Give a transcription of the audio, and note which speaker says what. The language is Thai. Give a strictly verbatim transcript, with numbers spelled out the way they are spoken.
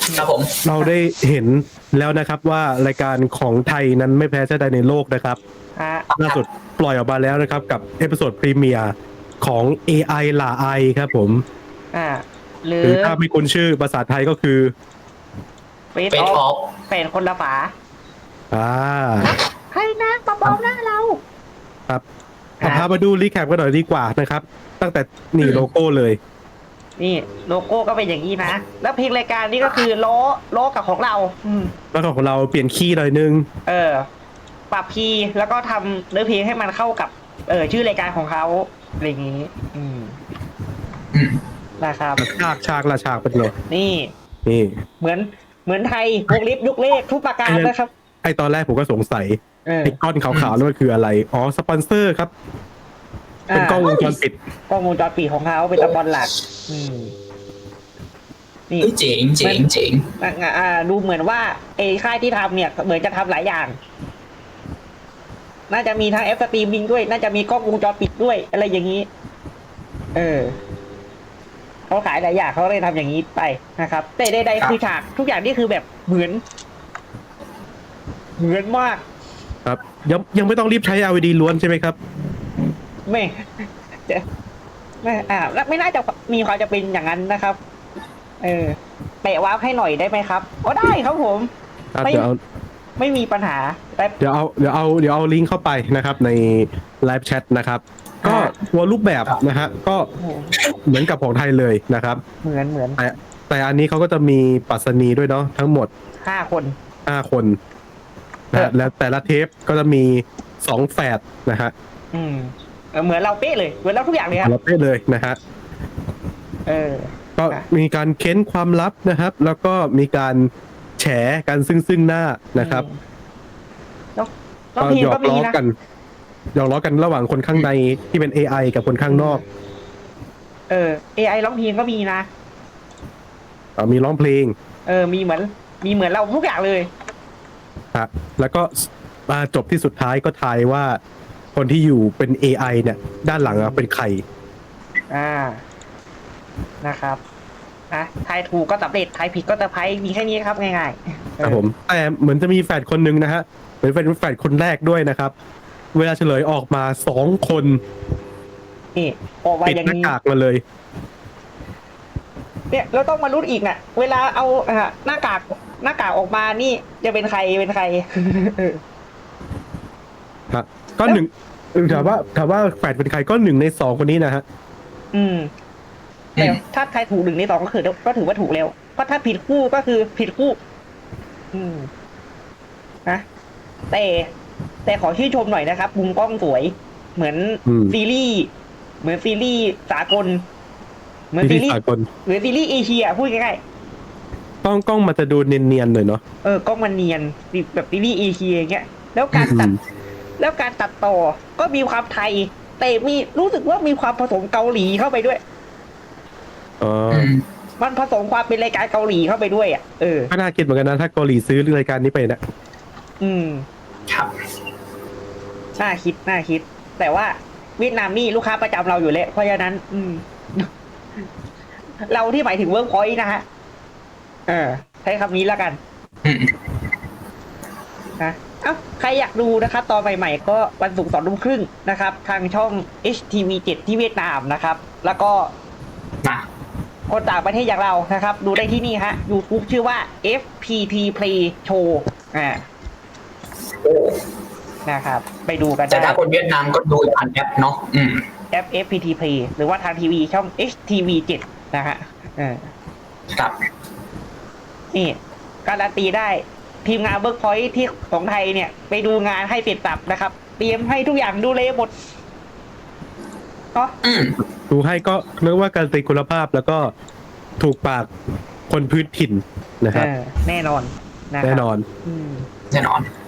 Speaker 1: ครับผม
Speaker 2: เราได้เห็นแล้วนะครับว่ารายการของไทยนั้นไม่แพ้ชาติใดในโลกนะครับ
Speaker 3: ฮะ
Speaker 2: ล่าสุดปล่อยออกมาแล้วนะครับกับเอพิโซดพรีเมียร์ของ เอ ไอ หล่าไอครับผม
Speaker 3: อ่าหรื
Speaker 2: ห
Speaker 3: อ
Speaker 2: รือถ้าไม่คุ้นชื่อภาษาไทยก็คือ
Speaker 3: เฟส
Speaker 1: เฟซ
Speaker 3: อ
Speaker 1: อ
Speaker 3: อ
Speaker 1: อ
Speaker 3: ฟ
Speaker 1: ฟ
Speaker 3: เป็นคนละฝา
Speaker 2: อ่า
Speaker 3: ให้นะมาบอกหน้าเรา
Speaker 2: ครับเอาพามาดูรีแคปกันหน่อยดีกว่านะครับ ตั้งแต่นี่โลโก้เลย
Speaker 3: นี่โลโก้ก็เป็นอย่างนี้นะ แล้วเพลงรายการนี้ก็คือล้อล้อกับของเรา อืม
Speaker 2: แล้วก็ของเราเปลี่ยนคีย์หน่อยนึง
Speaker 3: เออ ปรับคีย์แล้วก็ทำเนื้อเพลงให้มันเข้ากับ เออชื่อรายการของเขาอะไรอย่างนี้ อืม
Speaker 1: อืม
Speaker 3: นะครับ
Speaker 2: ฉากฉากละฉากเป็นไง
Speaker 3: นี่
Speaker 2: นี่
Speaker 3: เหมือนเหมือนไทยวงลิฟยุคเลขทุกประการนะครับ
Speaker 2: ไอตอนแรกผมก็สงสัย
Speaker 3: เออ
Speaker 2: ไอก้อนขาวๆนั่นมันคืออะไร อ๋อ สปอนเซอร์ครับ เป็นกล้องวงจรปิด
Speaker 3: กล้องวงจรปิดของเขาเป็นตะบอลหลัก อืม นี่
Speaker 1: เฮ้ยเจ๋งเจ๋งเจ๋ง
Speaker 3: อ่ะอ่าดูเหมือนว่าไอ้ค่ายที่ทำเนี่ยเหมือนจะทำหลายอย่าง น่าจะมีทั้งแอปสตรีมมิ่งด้วย น่าจะมีกล้องวงจรปิดด้วย อะไรอย่างนี้ เออเขาขายหลายอย่างเขาเลยทำอย่างนี้ไปนะครับ แต่ใดๆคือฉากทุกอย่างนี่คือแบบเหมือน เหมือนมาก
Speaker 2: ครับ ยังยังไม่ต้องรีบใช้ แอล อี ดี ล้วนใช่ไหมครับ
Speaker 3: ไม่จะไม่อ่าแล้วไม่น่าจะมีความจะเป็นอย่างนั้นนะครับ เออแปะวาร์ปให้หน่อยได้ไหมครับอ๋อได้ครับผม
Speaker 2: ครับ
Speaker 3: ไม่
Speaker 2: เดี๋ยวเอา
Speaker 3: ไม่มีปัญหาแต่
Speaker 2: เดี๋ยวเอาเดี๋ยวเอาเดี๋ยวเอาลิงก์เข้าไปนะครับในไลฟ์แชทนะครับ ก็
Speaker 3: อ่า
Speaker 2: ตัวรูปแบบนะฮะก็
Speaker 3: โอ้โห
Speaker 2: เหมือนกับของไทยเลยนะครับ
Speaker 3: เหมือนเหมือน
Speaker 2: แต่แต่อันนี้เขาก็จะมีปรัสนีด้วยเนาะทั้งหมด
Speaker 3: ห้าคน
Speaker 2: ห้าคนนะฮะแล้วแต่ละเทปก็จะมีสองแฝดนะฮะ
Speaker 3: อืมเออเหมือนเราเป๊ะเลย เหมือนเราทุกอย่างเลยครับ
Speaker 2: เราไปเลยนะฮะ
Speaker 3: เออ
Speaker 2: ก็มีการเค้นความลับนะครับ แล้วก็มีการแฉกันซึ่งซึ่งหน้านะครับ
Speaker 3: แล้วแล้ว
Speaker 2: ก็
Speaker 3: เพลง
Speaker 2: หยอ
Speaker 3: ก็
Speaker 2: ก
Speaker 3: มี
Speaker 2: ล้อ
Speaker 3: นะ
Speaker 2: กันหยอกล้อกันระหว่างคนข้างในที่เป็น เอ ไอ กับคนข้างนอก
Speaker 3: เออ เอ ไอ ร้องเพลงก็มีนะ
Speaker 2: อ่ามีร้องเพลง
Speaker 3: เออ มีเหมือน มีเหมือนเราทุกอย่างเลย
Speaker 2: ฮะแล้วก็มาจบที่สุดท้ายก็ทายว่าคนที่อยู่เป็น เอ ไอ เนี่ย ด้านหลังอะเป็นใคร
Speaker 3: อ่า นะครับนะทายถูกก็สำเร็จทายผิดก็จะไพ่มีแค่นี้ครับง่ายๆ
Speaker 2: ครับผมแต่เหมือนจะมีแฝดคนหนึ่งนะฮะเหมือนเป็นแฝดคนแรกด้วยนะครับ เวลาเฉลยออกมาสองคน
Speaker 3: นี่ออกมา
Speaker 2: ปิด
Speaker 3: อย่าง
Speaker 2: หน้า
Speaker 3: นี้
Speaker 2: กากมาเลย
Speaker 3: เนี่ยเราต้องมาลุ้นอีกน่ะ เวลาเอาอ่ะหน้ากากหน้ากากออกมานี่จะเป็นใครเป็นใคร
Speaker 2: ฮะก็หนึ่งถามว่าถามว่าแฝดเป็นใครก็หนึ่งในสองคนนี้นะฮะ
Speaker 3: อืมแต่ถ้าใครถูกหนึ่งในสองก็คือก็ถือว่าถูกแล้วเพราะถ้าผิดคู่ก็คือผิดคู่ อืมนะแต่แต่ขอชื่นชมหน่อยนะครับมุมกล้องสวย เหมือน
Speaker 2: อืม
Speaker 3: ซีรีส์เหมือนซีรีส์สากล เหมือน
Speaker 2: ที่
Speaker 3: ซีรีส์
Speaker 2: สากล
Speaker 3: เหมือนซีรีส์เอเชียพูดง่าย
Speaker 2: กล้องกล้องมันจะดูเนียนๆหน่อยเนาะ
Speaker 3: ๆเออกล้องมันเนียนแบบซีรีส์เอเชียอย่างเงี้ยแล้วการตัด
Speaker 2: อืม
Speaker 3: แล้วการตัดต่อก็มีความไทย แต่มีรู้สึกว่ามีความผสมเกาหลีเข้าไปด้วย
Speaker 2: อ๋อ
Speaker 1: อืม
Speaker 3: มันผสมความเป็นรายการเกาหลีเข้าไปด้วยอ่ะเออ
Speaker 2: ก็น่าคิดเหมือนกันนะถ้าเกาหลีซื้อรายการนี้ไปนะ
Speaker 3: อืม
Speaker 1: ครับ
Speaker 3: น่าคิดน่าคิด แต่ว่าเวียดนามนี่ลูกค้าประจำเราอยู่แล้วเพราะฉะนั้น อืม เราที่หมายถึงเวิร์กพอยต์นะฮะเออใช้คำนี้แล้วกัน
Speaker 1: อืม
Speaker 3: นะเอ้าใครอยากดูนะครับ ตอนใหม่ๆก็วันศุกร์สองทุ่มครึ่งนะครับ ทางช่อง เอช ที วี เจ็ด ที่เวียดนามนะครับ แล้วก็
Speaker 1: มา
Speaker 3: คนต่างประเทศอย่างเรานะครับ ดูได้ที่นี่ฮะ YouTube ชื่อว่า เอฟ พี ที Play Show อ่า
Speaker 1: โอ้
Speaker 3: นะครับ ไปดูกัน
Speaker 1: แต่
Speaker 3: ได้
Speaker 1: ถ้าคนเวียดนามก็ดูผ่านแอปเนาะอืม
Speaker 3: แอป เอฟ พี ที Play หรือว่าทางทีวีช่อง เอช ที วี เจ็ด นะฮะเออ
Speaker 1: ครับ
Speaker 3: นี่การันตีได้ทีมงานเบิร์กพอยท์ที่ของไทยเนี่ย ไปดูงานให้เสร็จสับนะครับ เตรียมให้ทุกอย่างดูเลยหมดเนาะ
Speaker 1: อืม
Speaker 2: ดูให้ก็เรียกว่าการตีคุณภาพแล้วก็ถูกปากคนพื้นถิ่นนะครับ
Speaker 3: เออแน่นอนนะครับ
Speaker 2: แน่นอน
Speaker 3: อืม
Speaker 1: แน่นอน